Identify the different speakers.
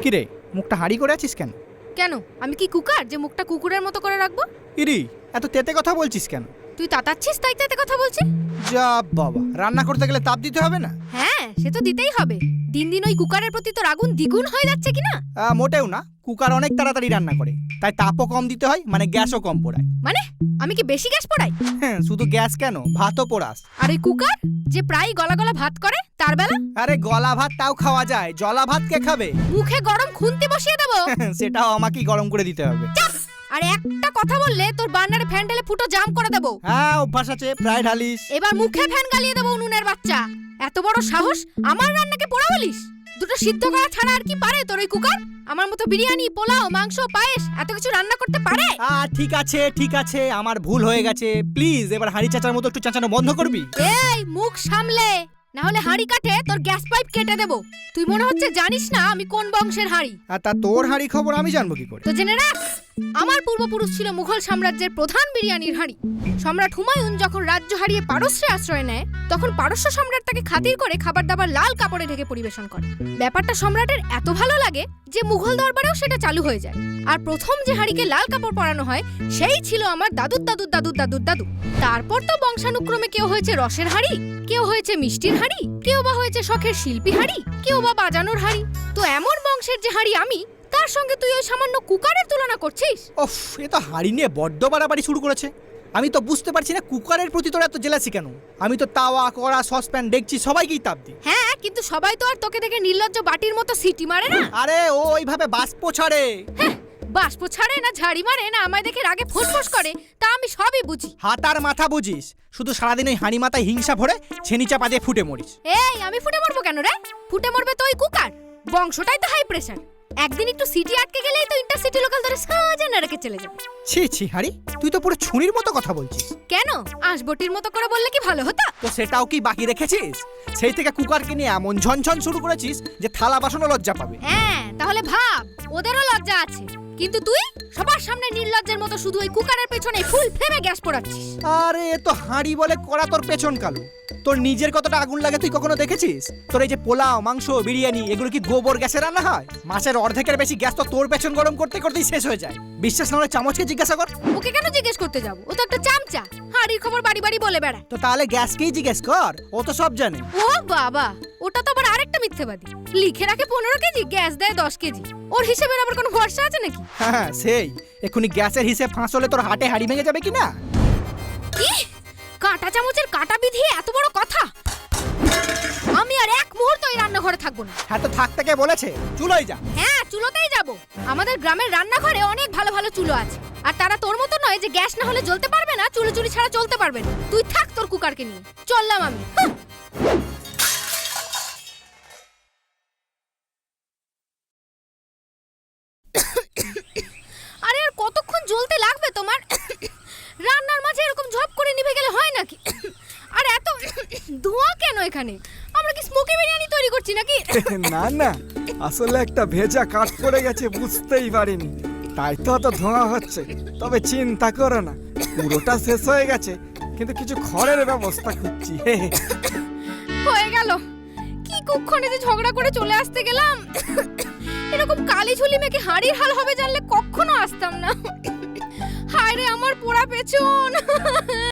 Speaker 1: কিরে মুখটা হাঁড়ি করে আছিস কেন?
Speaker 2: কেন আমি কি কুকার যে মুখটা কুকুরের মতো করে রাখবো?
Speaker 1: ইরি এত তেতে কথা বলছিস কেন?
Speaker 2: তুই তাতাচ্ছিস তাই তেতে কথা বলছি?
Speaker 1: যা বাবা, রান্না করতে গেলে তাপ দিতে হবে না?
Speaker 2: হ্যাঁ সে তো দিতেই হবে। দিন দিন ওই কুকারের প্রতি তোর আগুন দ্বিগুণ হয়ে যাচ্ছে কিনা?
Speaker 1: মোটেও না, কুকার অনেক তাড়াতাড়ি রান্না করে, তাই তাপও কম দিতে হয়, মানে গ্যাসও কম পোড়ায়।
Speaker 2: মানে আমি কি বেশি গ্যাস পোড়াই?
Speaker 1: হ্যাঁ, শুধু গ্যাস কেন, ভাতও পোড়াস।
Speaker 2: আর ওই কুকার যে প্রায় গলা গলা ভাত করে তার বেলা?
Speaker 1: আরে গলা ভাত তাও খাওয়া যায়, জলা ভাত কে খাবে?
Speaker 2: মুখে গরম খুন্তি বসিয়ে দেবো।
Speaker 1: সেটাও আমাকেই গরম করে দিতে হবে।
Speaker 2: আর একটা কথা বললে তোর বার্নারে ফ্যান ঢেলে ফুটো জাম করে দেবো।
Speaker 1: হ্যাঁ অভ্যাস আছে, প্রায় ঢালিস।
Speaker 2: এবার মুখে ফ্যান গালিয়ে দেবো উনুনের বাচ্চা। এত বড় সাহস আমার রান্নাকে পোড়া বলিস? দুটো সিদ্ধ করা ছাড়া আর কি পারে তোর ওই কুকার? আমার মতো বিরিয়ানি, পোলাও, মাংস, পায়েস এত কিছু রান্না করতে পারে?
Speaker 1: ঠিক আছে ঠিক আছে, আমার ভুল হয়ে গেছে। প্লিজ এবার হাঁড়ি চাচার মতো একটু চাচানো বন্ধ করবি?
Speaker 2: এই মুখ সামলে, না হলে হাঁড়ি কাটে তোর গ্যাস পাইপ কেটে দেবো। তুই মনে হচ্ছে জানিস না আমি কোন বংশের হাঁড়ি।
Speaker 1: আর তা তোর হাঁড়ি খবর আমি জানবো কি করে?
Speaker 2: তো জেনে রাখ, আমার পূর্বপুরুষ ছিল মুঘল সাম্রাজ্যের প্রধান বিরিয়ানির হাঁড়ি। সম্রাট হুমায়ুন যখন রাজ্য হারিয়ে পারস্যে আশ্রয় নেয়, তখন পারস্য সম্রাট তাকে খাতির করে খাবার দাবার লাল কাপড়ে ঢেকে পরিবেশন করে। ব্যাপারটা সম্রাটের এত ভালো লাগে যে মুঘল দরবারেও সেটা চালু হয়ে যায়। আর প্রথম যে হাঁড়িকে লাল কাপড় পরানো হয় সেই ছিল আমার দাদুর দাদুর দাদুর দাদুর দাদু। তারপর তো বংশানুক্রমে কেউ হয়েছে রসের হাঁড়ি, কেউ হয়েছে মিষ্টির হাঁড়ি, কেউ বা হয়েছে শখের শিল্পী হাঁড়ি, কেউ বা বাজানোর হাঁড়ি। তো এমন বংশের যে হাঁড়ি আমি, তার সঙ্গে তুই ওই সামান্য কুকারের তুলনা করছিস?
Speaker 1: ওফ, এ তো হাঁড়ি নিয়ে বড্ড বাড়াবাড়ি শুরু করেছে। আমি তো বুঝতে পারছি না কুকারের প্রতি তোর এত জেলাসি কেন? আমি তো তাওয়া, কড়া, সসপ্যান, ডেকচি সবাইকেই তাপ দিই।
Speaker 2: হ্যাঁ, কিন্তু সবাই তো আর তোকে দেখে নির্লজ্জ বাটির মতো সিটি মারে না।
Speaker 1: আরে ও ওইভাবে বাষ্প ছাড়ে।
Speaker 2: বাষ্প ছাড়ে না ঝাড়ি মারে না আমায় দেখে রাগে ফোঁস করে, তা আমি সবই বুঝি।
Speaker 1: হাত আর মাথা বুঝিস, শুধু সারাদিন ওই হাঁড়ি মাথায় হিংসা ভরে ছেনি চাপা দিয়ে ফুটে মরিস।
Speaker 2: এই আমি ফুটে মরবো কেন রে? ফুটে মরবে তো ওই কুকার, বংশটাই তো হাই প্রেসার। একদিন একটু সিটি আটকে গেলেই তো ইন্টারসিটি লোকাল ধরে সাজানা রেখে চলে যাবে।
Speaker 1: ছি ছি হাঁড়ি, তুই তো পুরো ছুরির মতো কথা বলছিস।
Speaker 2: কেন, আঁশবটির মতো করে বললে কি ভালো হতো?
Speaker 1: তো সেটাও কি বাকি রেখেছিস? সেই থেকে কুকারকে নিয়ে এমন ঝনঝন শুরু করেছিস যে থালা বাসনও লজ্জা পাবে।
Speaker 2: হ্যাঁ তাহলে ভাব, ওদেরও লজ্জা আছে, কিন্তু তুই সবার সামনে নির্লজ্জের মতো শুধু ওই কুকারের পেছনে ফুল ফ্লেমে গ্যাস পোড়াচ্ছিস।
Speaker 1: আরে এ তো হাঁড়ি বলে কড়া, তোর পেছন কালো। তোর নিজের কতটা আগুন লাগে তুই কখনো দেখেছিস? তোর এই যে পোলাও, মাংস, বিরিয়ানি এগুলো কি গোবর গ্যাসে রান্না হয়? মাছের অর্ধেকের বেশি গ্যাস তো তোর পেছন গরম করতে করতেই শেষ হয়ে যায়। বিশ্বাস না হলে চামচকে জিজ্ঞাসা কর।
Speaker 2: ওকে কেন জিজ্ঞেস করতে যাবো? ও তো একটা চামচা, হাঁড়ির খবর বাড়ি বাড়ি বলে বেড়ায়।
Speaker 1: তো তাহলে গ্যাসকেই জিজ্ঞেস কর, ও তো সব জানে।
Speaker 2: ও বাবা, ওটা তো আবার আরেকটা মিথ্যেবাদী। লিখে রাখে 15 কেজি, গ্যাস দেয় 10 কেজি। ওর হিসেবের আবার কোনো ভরসা আছে নাকি?
Speaker 1: হ্যাঁ সেই, এক্ষুনি গ্যাসের হিসেব ফাঁস হলে তোর হাটে হাঁড়ি ভেঙে যাবে কিনা?
Speaker 2: কি কাঁটা চামচের কাঁটা বিধিয়ে এত বড় কথা? আমি আর এক মুহূর্ত এই রান্নাঘরে থাকবো না।
Speaker 1: হ্যাঁ তো থাকতে কে বলেছে? চুলোই যা।
Speaker 2: হ্যাঁ চুলোতেই যাব। আমাদের গ্রামের রান্নাঘরে অনেক ভালো ভালো চুলো আছে, আর তারা তোর মতো নয় যে গ্যাস না হলে জ্বলতে পারবে না, চুলো চুরি ছাড়া চলতে পারবে না। তুই থাক তোর কুকারকে নিয়ে, চললাম আমি। আরে আর কতক্ষণ জ্বলতে লাগবে তোমার? রান্নার মাঝে এরকম ঝপ করে নিভে গেলে হয় নাকি? আর এত ধোঁয়া কেন এখানে? আমরা কি স্মোকি বিরিয়ানি তৈরি করছি নাকি?
Speaker 3: না না, আসলে একটা ভেজা কাঠ পড়ে গেছে, বুঝতেই পারিনি, তাই তো অত ধোঁয়া হচ্ছে। তবে চিন্তা করো না, পুরোটা শেষ হয়ে গেছে, কিন্তু কিছু খড়ের ব্যবস্থা করছি।
Speaker 2: হয়ে গেল। কি কুক্ষণে যে ঝগড়া করে চলে আসতে গেলাম। এরকম কালি ঝুলি মেখে হাড়ির হাল হবে জানলে কখনো আসতাম না। হায় রে আমার পোড়া পেছন।